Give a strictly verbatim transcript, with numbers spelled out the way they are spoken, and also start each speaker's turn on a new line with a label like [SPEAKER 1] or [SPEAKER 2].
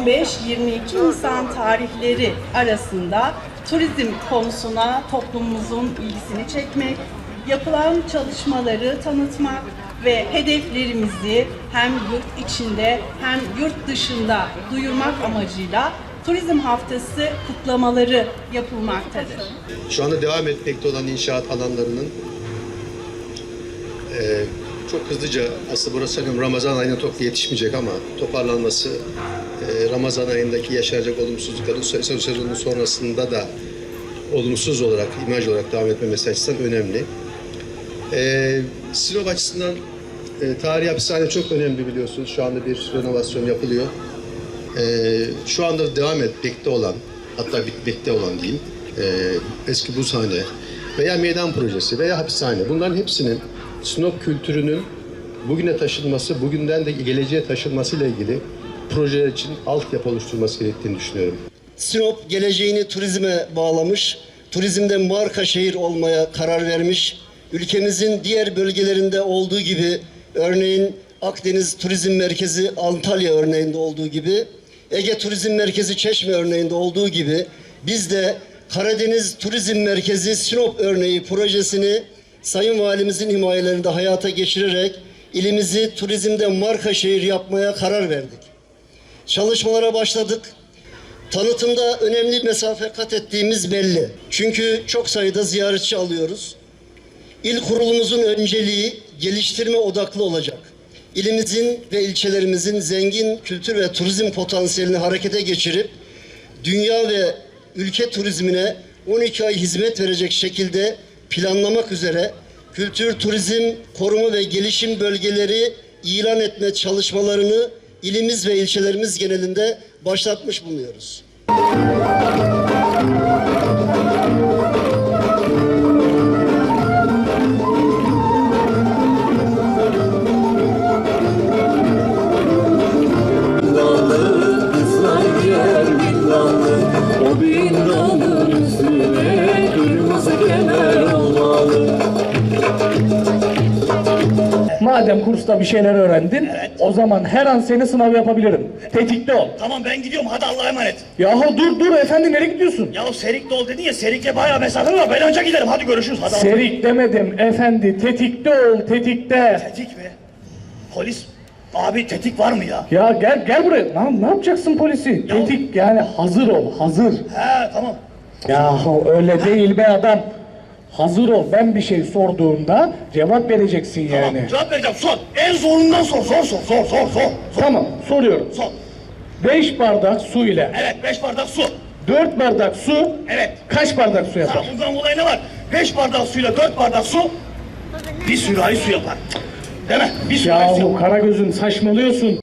[SPEAKER 1] on beş yirmi iki Nisan tarihleri arasında turizm konusuna toplumumuzun ilgisini çekmek, yapılan çalışmaları tanıtmak ve hedeflerimizi hem yurt içinde hem yurt dışında duyurmak amacıyla Turizm Haftası kutlamaları yapılmaktadır.
[SPEAKER 2] Şu anda devam etmekte olan inşaat alanlarının e, çok hızlıca, aslında burası sanırım Ramazan ayına çok yetişmeyecek ama toparlanması, e, Ramazan ayındaki yaşanacak olumsuzlukların sezonun sonrasında da olumsuz olarak, imaj olarak devam etmemesi açısından önemli. E, Sinop açısından e, tarihi hapishane çok önemli, biliyorsunuz. Şu anda bir renovasyon yapılıyor. E, şu anda devam etmekte olan, hatta bitmekte olan diyeyim, e, eski buzhane veya meydan projesi veya hapishane, bunların hepsinin Sinop kültürünün bugüne taşınması, bugünden de geleceğe taşınmasıyla ilgili projeler için altyapı oluşturulması gerektiğini düşünüyorum.
[SPEAKER 3] Sinop geleceğini turizme bağlamış, turizmde marka şehir olmaya karar vermiş. Ülkemizin diğer bölgelerinde olduğu gibi, örneğin Akdeniz Turizm Merkezi Antalya örneğinde olduğu gibi, Ege Turizm Merkezi Çeşme örneğinde olduğu gibi, biz de Karadeniz Turizm Merkezi Sinop örneği projesini Sayın Valimizin himayelerinde hayata geçirerek ilimizi turizmde marka şehir yapmaya karar verdik. Çalışmalara başladık. Tanıtımda önemli mesafe kat ettiğimiz belli. Çünkü çok sayıda ziyaretçi alıyoruz. İl kurulumuzun önceliği geliştirme odaklı olacak. İlimizin ve ilçelerimizin zengin kültür ve turizm potansiyelini harekete geçirip dünya ve ülke turizmine on iki ay hizmet verecek şekilde planlamak üzere kültür, turizm, koruma ve gelişim bölgeleri ilan etme çalışmalarını ilimiz ve ilçelerimiz genelinde başlatmış bulunuyoruz.
[SPEAKER 4] Madem kursta bir şeyler öğrendin,
[SPEAKER 5] Evet.
[SPEAKER 4] o zaman her an seni sınav yapabilirim. Tetikte ol.
[SPEAKER 5] Tamam ben gidiyorum, hadi Allah'a emanet.
[SPEAKER 4] Yahu dur dur efendi, nereye gidiyorsun?
[SPEAKER 5] Ya o Serikli ol dedin ya, Serik'le bayağı mesafe var, ben önce giderim, hadi görüşürüz. Hadi
[SPEAKER 4] Serik demedim efendi, tetikte ol, tetikte.
[SPEAKER 5] Tetik mi? Polis, abi tetik var mı ya?
[SPEAKER 4] Ya gel gel buraya. Ne, ne yapacaksın polisi?
[SPEAKER 5] Ya-
[SPEAKER 4] Tetik yani hazır ol, hazır.
[SPEAKER 5] He tamam.
[SPEAKER 4] Yahu öyle değil be adam. Hazır ol, ben bir şey sorduğumda cevap vereceksin yani.
[SPEAKER 5] Tamam, cevap vereceğim, sor. En zorundan sor, sor, sor, sor, sor, sor.
[SPEAKER 4] Tamam, soruyorum.
[SPEAKER 5] Sor.
[SPEAKER 4] Beş bardak su ile
[SPEAKER 5] Evet, beş bardak su.
[SPEAKER 4] dört bardak su
[SPEAKER 5] Evet.
[SPEAKER 4] kaç bardak su yapar?
[SPEAKER 5] Ha, bundan dolayı ne var? Beş bardak suyla dört bardak su, bir sürahi su yapar. Değil mi? Bir sürahi su
[SPEAKER 4] Yahu
[SPEAKER 5] yapar.
[SPEAKER 4] Karagöz'üm, saçmalıyorsun.